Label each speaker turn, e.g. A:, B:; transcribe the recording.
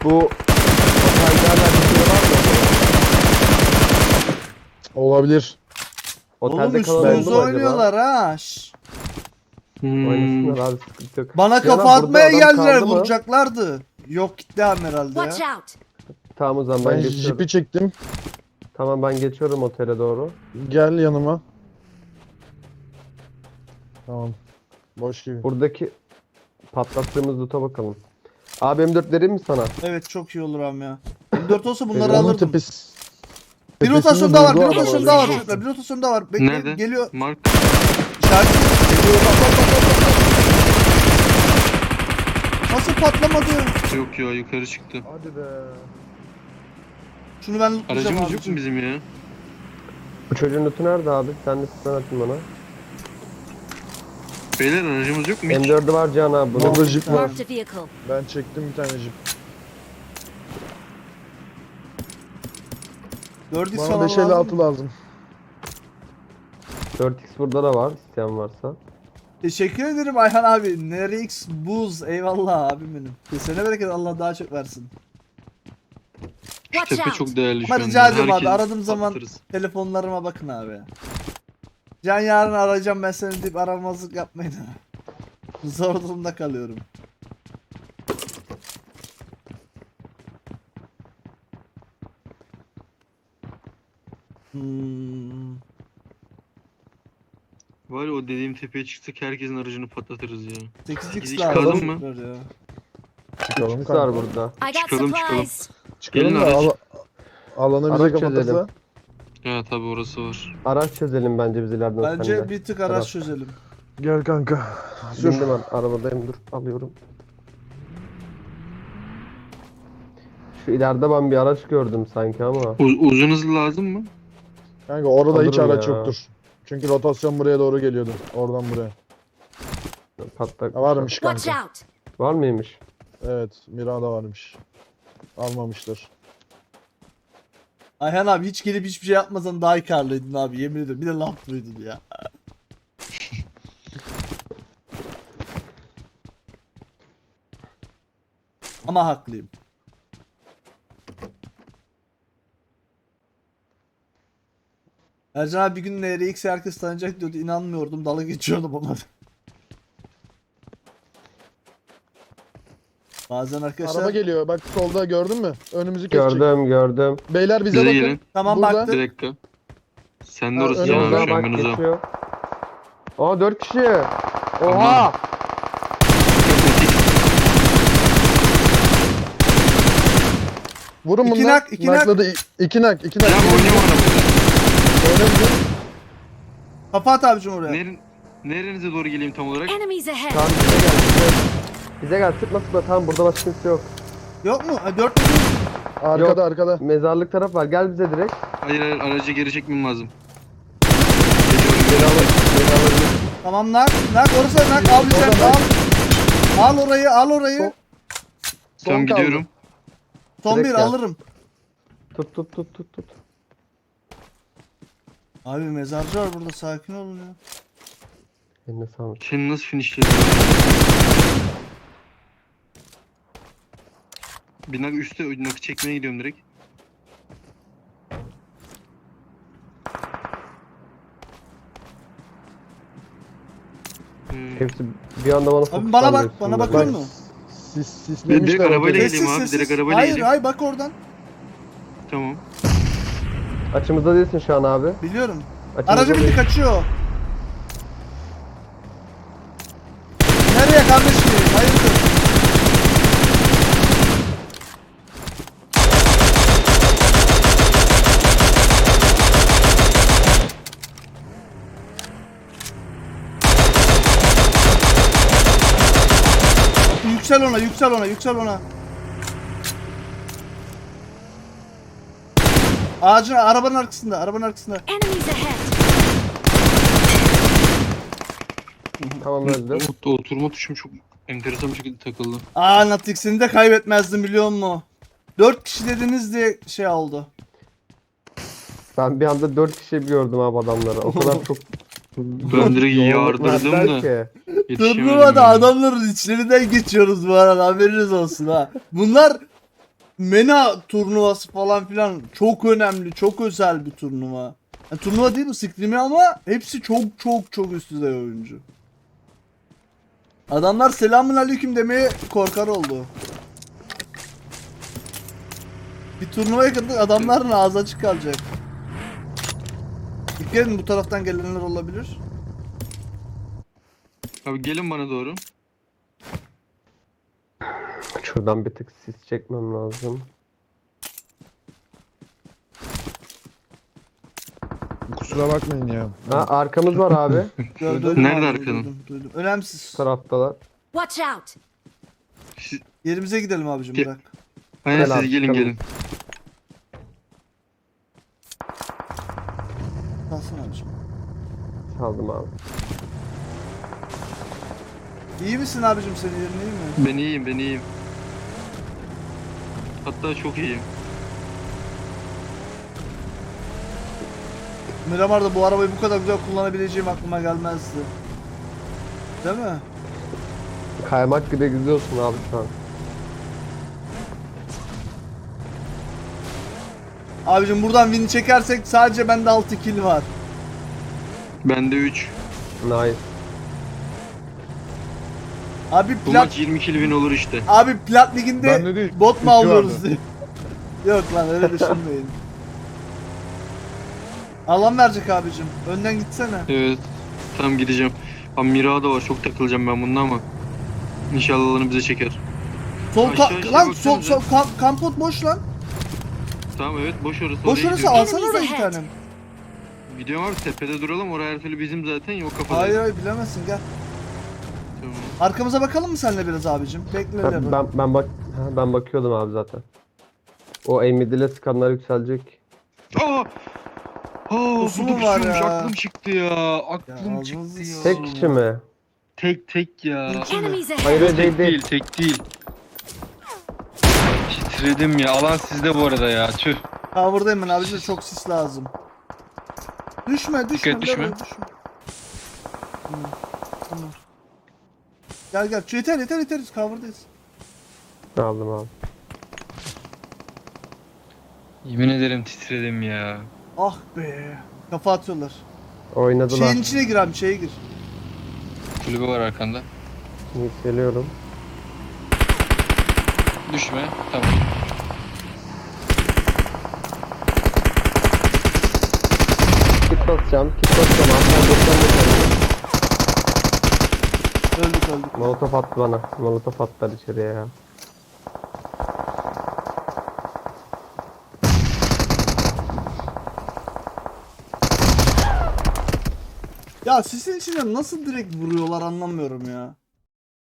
A: Bu otellerden bir şey var mı?
B: Olabilir.
A: Otelde
C: Oğlum
A: kalan oldu
C: üstümüze
A: mu acaba?
C: oynuyorlar ha. Şşş.
A: Oynasınlar abi, sıkıntı yok.
C: Bana
A: Cihan
C: kafa
A: abi, burada
C: atmaya
A: adam
C: geldiler,
A: kaldı mı?
C: vuracaklardı. Yok gitti abi herhalde
D: Watch
C: ya.
D: out!
A: Tamam o zaman
B: Ben
A: ben geçiyorum.
B: jipi çektim.
A: Tamam ben geçiyorum otele doğru.
B: Gel yanıma. Tamam. Boş gibi.
A: Buradaki patlattığımız loot'a bakalım. Abi M4 vereyim mi sana?
C: Evet çok iyi olur am ya. M4 olsa bunları
A: Onun
B: Onun
C: alırdım.
B: tepesi.
C: Bir
B: tepesinde
C: rotasyon daha var, bir
B: durdu
C: rotasyon
B: adam.
C: daha var çocuklar, bir rotasyon daha var. Bekle,
E: Nerede?
C: geliyor.
E: Mark.
C: İşaret. Nasıl patlamadı?
E: Yok ya, yukarı çıktı.
B: Hadi be.
C: Şunu ben lootlayacağım
E: Aracımız yok
C: abicim.
E: mu bizim ya?
A: Bu çocuğun lootu nerede abi? Sen de sen atın bana.
E: Beyler aracımız yok mu hiç?
A: M4'ü var Cihan abi bunun.
B: Burada jip var.
D: Marked a vehicle.
B: Ben çektim bir tane jip.
C: 4x
B: Bana
C: falan
B: 556
C: lazım.
B: lazım.
A: 4x burada da var isteyen varsa.
C: Teşekkür ederim Ayhan abi. Nerix buz. Eyvallah abim benim. Kesene bereket, Allah daha çok versin.
E: Şu
D: Watch
E: tepe
D: out!
E: çok değerli şu
C: Ama
E: an.
C: rica ediyorum abi,
E: Herkes
C: aradığım zaman
E: patlatırız.
C: telefonlarıma bakın abi. Can yarın arayacağım ben seni deyip aramazlık yapmayın. Zor durumda kalıyorum. Hmm.
E: Var ya, o dediğim tepeye çıksak herkesin aracını patlatırız ya.
C: 8x
E: Hiç
C: lazım.
E: çıkalım mı?
C: Ya.
B: Çıkalım
A: X var
B: kanka.
A: burada.
D: I got
E: Çıkalım,
D: supplies.
B: Çıkalım
E: Gelin
B: da
E: araç.
B: alanı bize
A: Araç
B: kapatırsa.
A: çözelim.
E: Ya tabi orası var.
A: Araç çözelim bence biz ileriden
C: Bence
A: seninle.
C: bir tık araç
A: Serap.
C: çözelim.
B: Gel kanka. Sür.
A: Bindim ben arabadayım, dur alıyorum. Şu ileride ben bir araç gördüm sanki ama.
E: Uzun hızlı lazım mı?
B: Kanka orada hiç
A: Alırım
B: araç
A: ya.
B: yoktur. Çünkü rotasyon buraya doğru geliyordu. Oradan buraya.
A: Patlak.
B: Ha, varmış
D: Watch
B: kanka.
D: out!
A: Var mıymış?
B: Evet, Mirada varmış. Almamışlar.
C: Ayhan abi hiç gelip hiçbir şey yapmasan daha karlıydın abi, yemin ediyorum. Bir de laf duydun ya. Ama haklıyım. Ercan abi bir gün NRX herkes tanıyacak diyordu. İnanmıyordum. Dalga geçiyordum ona. Bazen arkadaşlar...
B: Araba geliyor. Bak solda gördün mü? Önümüzü kesecek.
A: Gördüm.
B: Beyler bize
E: Bize
B: bakın.
E: gelin.
C: Tamam
B: Burada.
C: baktım.
E: Bir dakika. Sen de
B: Ha,
E: orası Can
B: önümüzde
E: abi, şu an
A: bak
E: ben uzağım.
A: geçiyor. Aa 4 kişi. Oha.
B: Vurun
C: İki
B: bunlar.
C: nak, iki nak.
B: Nakladı. İki nak. İki nak.
E: Ya oynuyorum arabada.
B: Öyle mi?
C: Kapat abicim oraya.
E: Nerenize doğru geleyim tam olarak?
D: Enemies ahead!
A: Tamam bize gel. Bize gel, sıkma sıkma, tamam burada başka kimse yok.
C: Yok mu? Ha, 4 mü?
B: Arkada
A: Yok.
B: arkada.
A: Mezarlık taraf var, gel bize direkt.
E: Hayır hayır, aracı geri çekmem lazım.
C: Tamam nak. Nak orası nak. Al bir
B: Orada
C: sen al.
B: nak.
C: Al orayı, al orayı.
E: Tamam
B: kaldı.
E: gidiyorum.
C: Son
A: direkt
C: bir
A: gel.
C: alırım.
A: Tut.
C: Abi mezarcı var burada, sakin olun ya.
A: Eline sağlık.
E: Seni nasıl finishledin? Bir nak üstte nakı çekmeye gidiyorum direkt.
A: Hepsi bir anda bana
C: Abi
A: fokuslandı
C: bana bak,
A: üstümde.
C: bana bakıyor
B: Bak.
C: musun?
B: Sislemişler.
E: Direkt arabayla
B: ortaya.
E: geleyim abi, direkt arabayla
C: Hayır
E: geleyim.
C: hayır bak oradan.
E: Tamam.
A: Açımızda değilsin şu an abi.
C: Biliyorum.
A: Açımızda
C: Aracı bindi,
A: değil.
C: kaçıyor. Nereye kardeşim? Hayırdır? Yüksel ona, yüksel ona, yüksel ona. Ağacın, arabanın arkasında, arabanın arkasında.
D: Enemies ahead!
A: Tamam öldü.
E: Oturma tuşum çok enteresan bir şekilde takıldı.
C: Aa Natix'ini de kaybetmezdim biliyor musun? 4 kişi dediniz diye şey oldu.
A: Ben bir anda 4 kişi gördüm abi adamları. O kadar çok
E: Ben direkt yardırdım
A: verdiler
E: da.
A: ki.
E: Yetişemedim
C: Turnuvada
E: yani.
C: adamların içlerinden geçiyoruz bu arada, haberiniz olsun ha. Bunlar MENA turnuvası falan filan çok önemli, çok özel bir turnuva. Yani turnuva değil mi Scream'i ama hepsi çok çok çok üst düzey oyuncu. Adamlar selamun aleyküm demeye korkar oldu. Bir turnuvaya kadar adamların ağzı açık kalacak. Dikkat edin, bu taraftan gelenler olabilir.
E: Abi gelin bana doğru.
A: Şuradan bir tık sis çekmem lazım.
B: Kusura bakmayın ya.
A: Ha, arkamız var abi.
C: Duydum
E: Nerede
C: abi,
E: arkanın?
C: duydum. Önemsiz.
A: Bu taraftalar.
D: Watch out!
E: Siz,
C: Yerimize gidelim abicim,
E: Ge-
C: bırak.
E: aynen
A: Gel abi,
E: siz gelin
A: çıkalım.
E: gelin.
C: Kalsın abicim.
A: Saldım abi.
C: İyi misin abicim, senin yerin iyi mi?
E: Ben iyiyim ben iyiyim. Hatta çok iyiyim.
C: Miramar'da bu arabayı bu kadar güzel kullanabileceğim aklıma gelmezdi. Değil mi?
A: Kaymak gibi gidiyorsun abi şu an.
C: Abicim buradan win çekersek sadece bende 6 kill var.
E: Bende 3.
A: Nice.
C: Abi
E: Bu
C: plat
E: maç 20 kill win olur işte.
C: abi plat liginde
B: Bende değil,
C: bot mu
B: iki
C: alıyoruz
B: vardı.
C: diye. Yok lan, öyle düşünmeyin. Alan verecek abicim. Önden gitsene.
E: Evet. Tamam gideceğim. Abi Mira da var çok takılacağım ben bununla ama. İnşallah alanı bize çeker.
C: Sol
E: Aşağı aşağı
C: lan sol
E: baksanıza.
C: kampot boş lan.
E: Tamam evet boş orası.
C: Boş
E: oraya
C: orası,
E: gidiyorum.
C: alsana oraya bir tane.
E: Gidiyorum abi tepede duralım. Oraya her türlü bizim zaten yok kafada.
C: Hayır hayır, bilemezsin, gel.
E: Tamam.
C: Arkamıza bakalım mı senle biraz abicim? Bekle
A: Ben,
C: öyle.
A: ben bakıyordum abi zaten. O M7'le skanlar yükselecek.
E: Aa! Aa,
C: Pusu mu
E: burada
C: var
E: pusuyormuş.
C: ya?
E: Aklım çıktı ya. Aklım
C: Ya,
E: çıktı
C: ağzınızı
E: ya.
A: Tek kişi mi?
E: Tek ya.
D: Enemies ahead!
A: Hayır
E: Tek
A: değil değil.
E: değil, tek değil. Titredim ya. Alan sizde bu arada ya. Tüh.
C: Cover'dayım ben abicim, çok sis lazım. Düşme
E: Dikkat, düşme.
C: Leroy, Tamam. Tamam. Gel gel. Yeter cover'dayız.
A: Aldım abi.
E: Yemin ederim titredim ya.
C: Ah be. Kafa atıyorlar.
A: Oynadılar.
C: Şeyin içine gir abi, şeye gir.
E: Kulübe var arkanda.
A: Yükseliyorum.
E: Düşme. Tamam.
A: Kit basacağım. Abi.
C: Öldük.
A: Molotof attı bana. Molotof attılar içeriye ya.
C: Ya sisin içine nasıl direkt vuruyorlar anlamıyorum ya.